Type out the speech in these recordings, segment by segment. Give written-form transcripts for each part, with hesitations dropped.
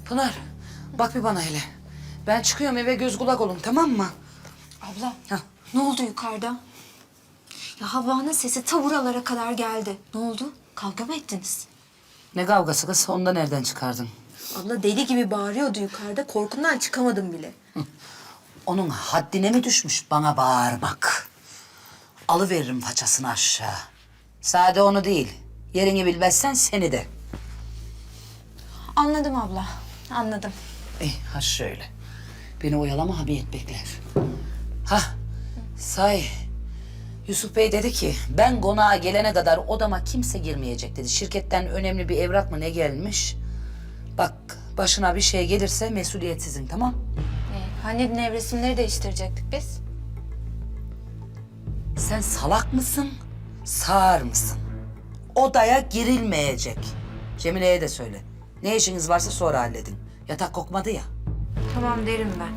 Pınar, bak bir bana hele. Ben çıkıyorum eve göz kulak olun, tamam mı? Abla, Hah. ne oldu yukarıda? Ya Havva'nın sesi ta buralara kadar geldi. Ne oldu? Kavga mı ettiniz? Ne kavgası kız, onu da nereden çıkardın? Abla deli gibi bağırıyordu yukarıda. Korkumdan çıkamadım bile. Onun haddine mi düşmüş bana bağırmak? Alıveririm façasını aşağı. Sade onu değil, yerini bilmezsen seni de. Anladım abla, anladım. Ha şöyle. Beni oyalama, hamiyet bekler. Ha, say. Yusuf Bey dedi ki, ben konağa gelene kadar odama kimse girmeyecek dedi. Şirketten önemli bir evrak mı ne gelmiş? Bak, başına bir şey gelirse mesuliyet sizin, tamam? Hani nevresimleri değiştirecektik biz? Sen salak mısın, sağır mısın? Odaya girilmeyecek. Cemile'ye de söyle. Ne işiniz varsa sonra halledin. Yatak kokmadı ya. Tamam derim ben.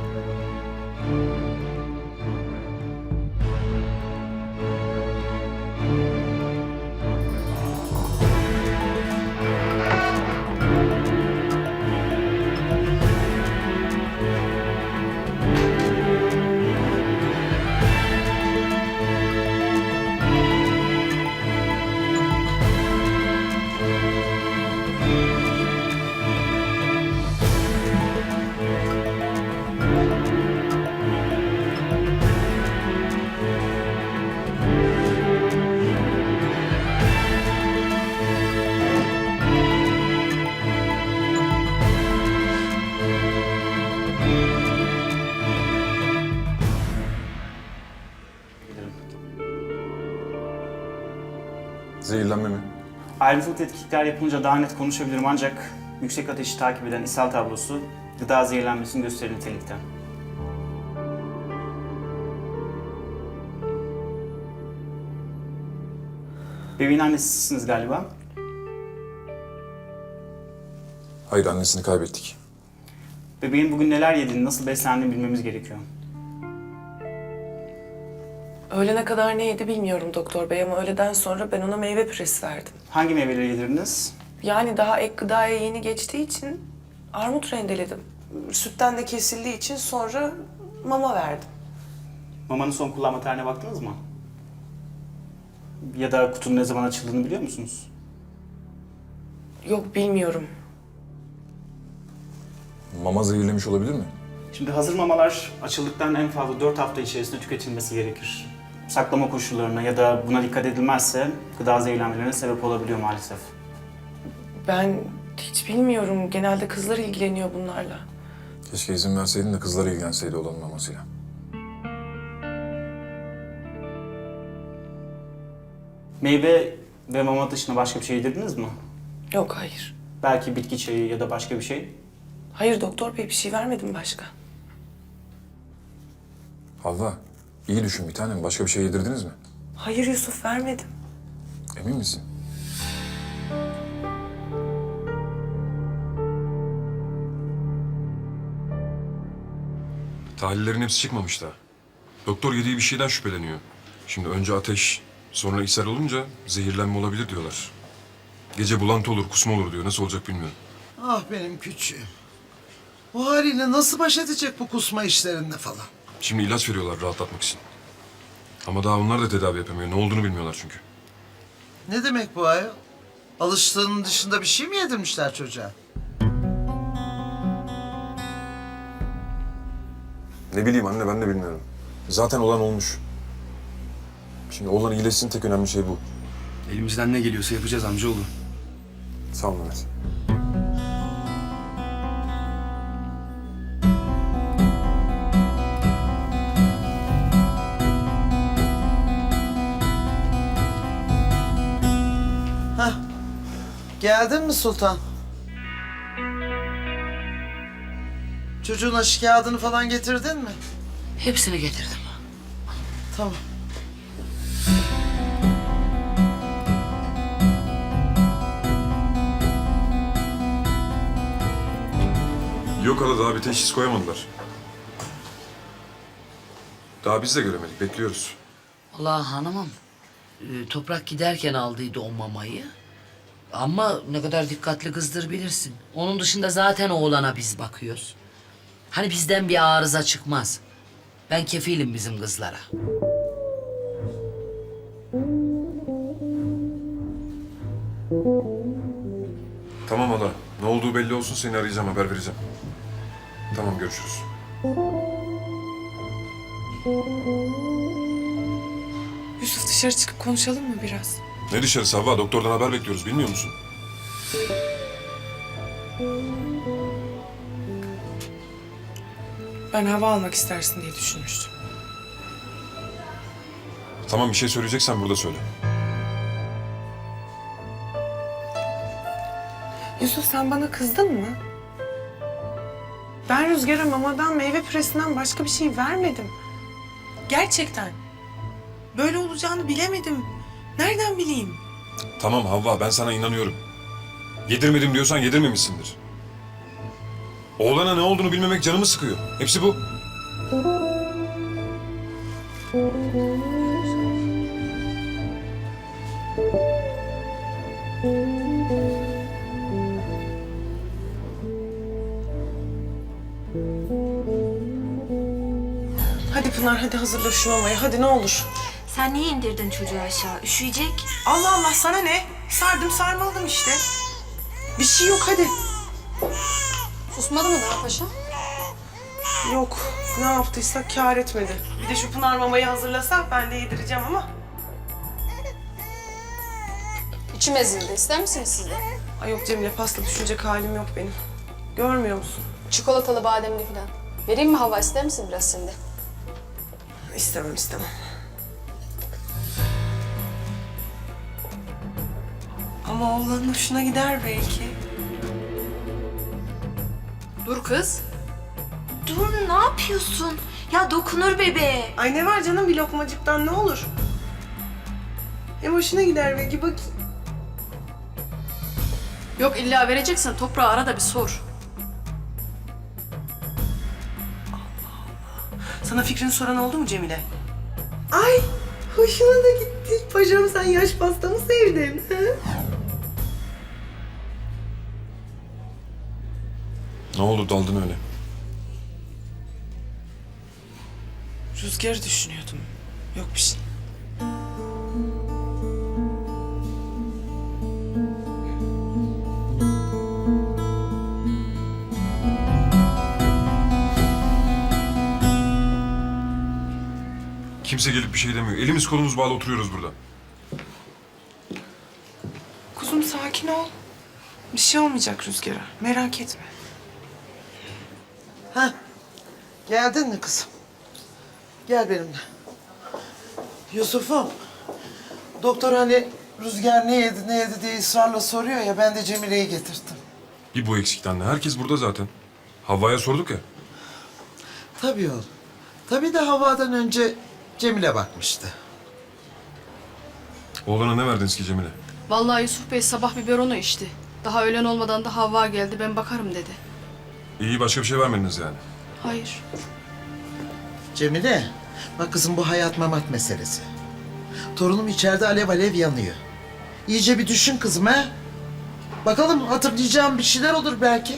Zehirlenme mi? Ayrıntılı tetkikler yapılınca daha net konuşabilirim ancak yüksek ateşi takip eden ishal tablosu gıda zehirlenmesini gösterir nitelikte. Bebeğin annesi sizsiniz galiba. Hayır, annesini kaybettik. Bebeğin bugün neler yediğini, nasıl beslendiğini bilmemiz gerekiyor. Öğlene kadar ne yedi bilmiyorum doktor bey ama öğleden sonra ben ona meyve püresi verdim. Hangi meyveleri yedirdiniz? Yani daha ek gıdaya yeni geçtiği için armut rendeledim. Sütten de kesildiği için sonra mama verdim. Mamanın son kullanma tarihine baktınız mı? Ya da kutunun ne zaman açıldığını biliyor musunuz? Yok bilmiyorum. Mama zehirlemiş olabilir mi? Şimdi hazır mamalar açıldıktan en fazla 4 hafta içerisinde tüketilmesi gerekir. Saklama koşullarına ya da buna dikkat edilmezse gıda zehirlenmelerine sebep olabiliyor maalesef. Ben hiç bilmiyorum. Genelde kızlar ilgileniyor bunlarla. Keşke izin verseydin de kızlar ilgilenseydi olanın mamasıyla. Meyve ve mama dışında başka bir şey yedirdiniz mi? Yok hayır. Belki bitki çayı ya da başka bir şey. Hayır doktor bey bir şey vermedim başka. Havva, iyi düşün bir tanem. Başka bir şey yedirdiniz mi? Hayır Yusuf vermedim. Emin misin? Tahlillerin hepsi çıkmamış daha. Doktor yediği bir şeyden şüpheleniyor. Şimdi önce ateş, sonra ishal olunca zehirlenme olabilir diyorlar. Gece bulantı olur, kusma olur diyor. Nasıl olacak bilmiyorum. Ah benim küçüğüm. Bu haliyle nasıl baş edecek bu kusma işlerinde falan? Şimdi ilaç veriyorlar rahatlatmak için. Ama daha onlar da tedavi yapamıyor. Ne olduğunu bilmiyorlar çünkü. Ne demek bu ayol? Alıştığının dışında bir şey mi yedirmişler çocuğa? Ne bileyim anne, ben de bilmiyorum. Zaten olan olmuş. Şimdi oğlan iyileşsin, tek önemli şey bu. Elimizden ne geliyorsa yapacağız amcaoğlu. Sağ ol Mehmet. Hah. Geldin mi Sultan? Çocuğun aşı kağıdını falan getirdin mi? Hepsini getirdim. Tamam. Yok hala, daha bir teşhis koyamadılar. Daha biz de göremedik, bekliyoruz. Vallahi hanımım, Toprak giderken aldıydı o mamayı. Ama ne kadar dikkatli kızdır bilirsin. Onun dışında zaten oğlana biz bakıyoruz. Hani bizden bir arıza çıkmaz. Ben kefilim bizim kızlara. Tamam hala. Ne olduğu belli olsun, seni arayacağım, haber vereceğim. Tamam, görüşürüz. Yusuf, dışarı çıkıp konuşalım mı biraz? Ne dışarısı Havva? Doktordan haber bekliyoruz, bilmiyor musun? Ben hava almak istersin diye düşünmüştüm. Tamam, bir şey söyleyeceksen burada söyle. Yusuf, sen bana kızdın mı? Ben Rüzgar'a mamadan, meyve püresinden başka bir şey vermedim. Gerçekten. Böyle olacağını bilemedim. Nereden bileyim? Tamam Havva, ben sana inanıyorum. Yedirmedim diyorsan yedirmemişsindir. Oğlana ne olduğunu bilmemek canımı sıkıyor. Hepsi bu. Hadi Pınar, hadi hazırla şu mamayı. Hadi ne olur. Sen niye indirdin çocuğu aşağı? Üşüyecek. Allah Allah, sana ne? Sardım sarmaladım işte. Bir şey yok, hadi. Susmadı mı daha paşa? Yok, ne yaptıysak kâr etmedi. Bir de şu Pınar mamayı hazırlasak ben de yedireceğim ama. İçim ezildi. İster misiniz siz de? Ay yok Cemile, pasta düşünecek halim yok benim. Görmüyor musun? Çikolatalı, bademli falan. Vereyim mi hava? İster misin biraz şimdi? İstemem, istemem. Ama oğlanın hoşuna gider belki. Dur kız. Dur, ne yapıyorsun? Ya dokunur bebeğe. Ay ne var canım, bir lokmacıktan ne olur? Hem hoşuna gider belki, bak. Yok illa vereceksen toprağı ara da bir sor. Sana fikrini soran oldu mu Cemile? Ay hoşuna da gitti. Paşam, sen yaş pasta mı sevdin? Ha? Ne oldu, daldın öyle? Rüzgar'ı düşünüyordum. Yok bir şey. Kimse gelip bir şey demiyor. Elimiz kolumuz bağlı oturuyoruz burada. Kuzum sakin ol. Bir şey olmayacak Rüzgar'a. Merak etme. Ha, geldin mi kızım? Gel benimle. Yusuf'um, doktor hani Rüzgar ne yedi ne yedi diye ısrarla soruyor ya, ben de Cemile'yi getirttim. Bir bu eksikti anne. Herkes burada zaten. Havva'ya sorduk ya. Tabii oğlum. Tabii de havadan önce Cemile bakmıştı. Oğlana ne verdiniz ki Cemile? Vallahi Yusuf Bey sabah biberonu içti. Daha öğlen olmadan da Havva geldi, ben bakarım dedi. İyi, başka bir şey vermediniz yani. Hayır. Cemile, bak kızım, bu hayat mamat meselesi. Torunum içeride alev alev yanıyor. İyice bir düşün kızım ha. Bakalım, hatırlayacağım bir şeyler olur belki.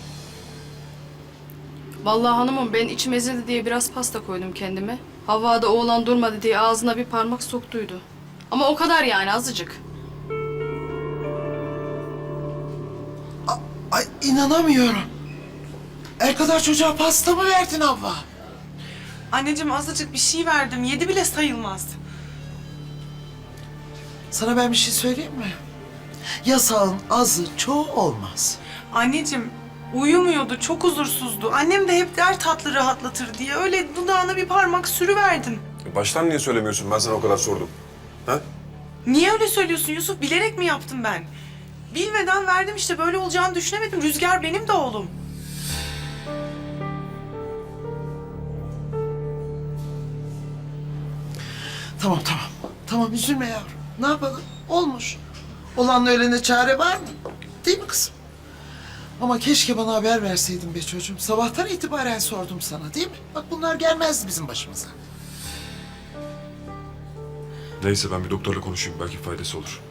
Vallahi hanımım, ben içim ezildi diye biraz pasta koydum kendime. Havva da oğlan durmadı diye ağzına bir parmak soktuydu. Ama o kadar yani, azıcık. Ay inanamıyorum. El kadar çocuğa pasta mı verdin Havva? Anneciğim azıcık bir şey verdim. Yedi bile sayılmaz. Sana ben bir şey söyleyeyim mi? Yasağın azı çoğu olmaz. Anneciğim uyumuyordu, çok huzursuzdu. Annem de hep der tatlı rahatlatır diye. Öyle dudağına bir parmak sürüverdim. Baştan niye söylemiyorsun? Ben sana o kadar sordum. Ha? Niye öyle söylüyorsun Yusuf? Bilerek mi yaptım ben? Bilmeden verdim işte, böyle olacağını düşünemedim. Rüzgar benim de oğlum. Tamam tamam. Tamam, üzülme yavrum. Ne yapalım? Olmuş. Olanla ölene çare var mı? Değil mi kızım? Ama keşke bana haber verseydin be çocuğum. Sabahtan itibaren sordum sana, değil mi? Bak bunlar gelmezdi bizim başımıza. Neyse, ben bir doktorla konuşayım. Belki faydası olur.